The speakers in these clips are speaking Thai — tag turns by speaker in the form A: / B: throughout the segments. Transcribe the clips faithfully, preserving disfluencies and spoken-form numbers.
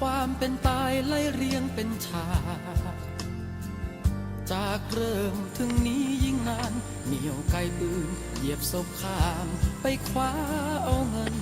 A: ความเป็นตายไล่เรียงเป็นฉากจากเริ่มถึงนี้ยิ่งนานเหนียวไกลปืนเหยียบศพข้ามไปคว้าเอาเงิน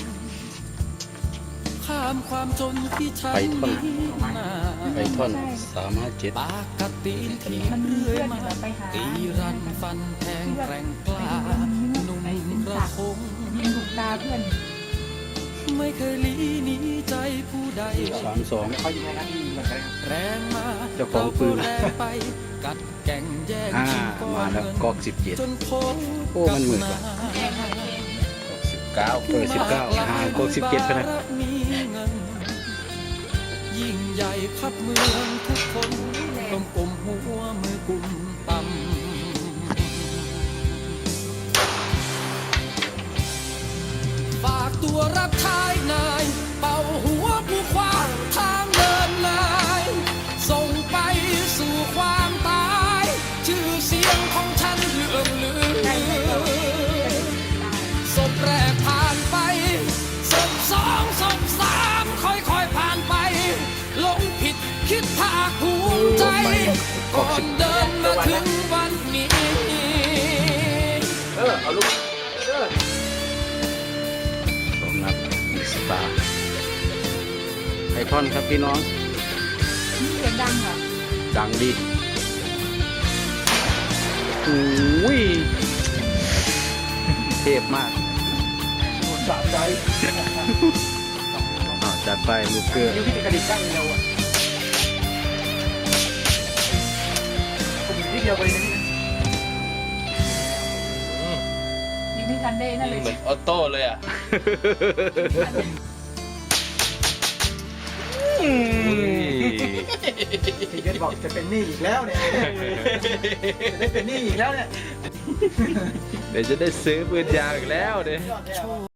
A: ข้ามความจนที่ฉันมีมา
B: ไปท่อนสามห้าเจ็ด
A: ปากกัดตีนที่เรื่อยมาตีรันฟันแทงแกร่งกล้าหนุ่มระคง
C: ยิงลูกตาเพื่อน
A: ไม่เคยหลีหนีใจผู้ใด
B: สามสอง
D: เขายิงไงนะยิงเหมือนกัน
A: แรงมา
B: เจ้าของปืน
A: แรงไปกัดแก่งแย่ง
B: อ่า
A: ชิงก้อ
B: มาน แล้ว
A: เงิน
B: กอกสิบเจ็ด
A: จนพบ
B: โอ้มันเหมือนกัน
D: สิบเก้า
B: เออสิบเก้าห่างกอกสิบเจ็ดพนะ
A: มีเงินยิ่งใหญ่ขับเมืองทุกคนต้องกลมหัวมือกุมต่ำฝากตัวรับใช้นายเป่าหัวผู้ควางทางเดินนายส่งไปสู่ความตายชื่อเสียงของฉันเลื่องลือศพแรกผ่านไปศพสองศพสามค่อยๆผ่านไปหลงผิดคิดภาคภูมิใจก่อนเดินมาถึงวันนี้
D: เออเอาลูกเออ
B: สองนัดอีกสตาร์ไอท่อนครับพี่น้อง
C: นี่เสียงดังเหรอ
B: ดังดีโอ้ยเทพมาก
D: สะใจ
B: อ้าวจัดไปลูกเกลือ
D: นิ้วที่กระดิกได้เร็วอ่ะผมนิดเดียวไปเลยนะ
C: ยิงที่กันได้นั่นเลย
E: เหมือนออโต้เลยอ่ะ
D: พี่เกดบอกจะเป็นหนี้อีกแล้วเนี่ยจะได้เป็นหนี้อีกแล้วเนี่ย
E: เดี๋ยวจะได้ซื้อปืนยาวอีกแล้วเด้
D: ยอดแย่ว่ะ